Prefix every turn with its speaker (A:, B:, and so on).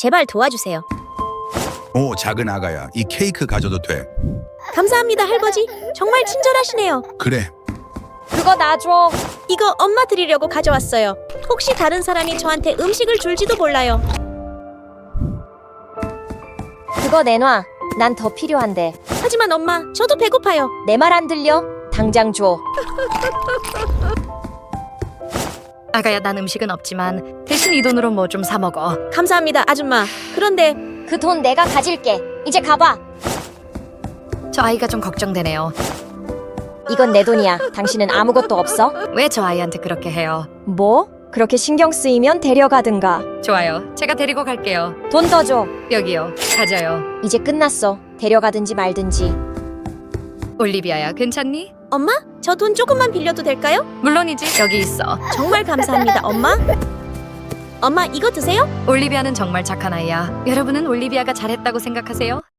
A: 제발 도와주세요.
B: 오, 작은 아가야, 이 케이크 가져도 돼.
A: 감사합니다, 할아버지. 정말 친절하시네요.
B: 그래.
C: 그거 놔줘.
A: 이거 엄마 드리려고 가져왔어요. 혹시 다른 사람이 저한테 음식을 줄지도 몰라요.
C: 그거 내놔. 난 더 필요한데.
A: 하지만 엄마, 저도 배고파요.
C: 내 말 안 들려? 당장 줘.
D: 아가야, 난 음식은 없지만 대신 이 돈으로 뭐 좀 사 먹어.
A: 감사합니다, 아줌마. 그런데
C: 그 돈 내가 가질게. 이제 가봐.
D: 저 아이가 좀 걱정되네요.
C: 이건 내 돈이야. 당신은 아무것도 없어?
D: 왜 저 아이한테 그렇게 해요?
C: 뭐? 그렇게 신경 쓰이면 데려가든가.
D: 좋아요. 제가 데리고 갈게요.
C: 돈 더 줘.
D: 여기요. 가져요.
C: 이제 끝났어. 데려가든지 말든지.
D: 올리비아야, 괜찮니?
A: 엄마, 저 돈 조금만 빌려도 될까요?
D: 물론이지. 여기 있어.
A: 정말 감사합니다, 엄마. 엄마, 이거 드세요?
D: 올리비아는 정말 착한 아이야. 여러분은 올리비아가 잘했다고 생각하세요?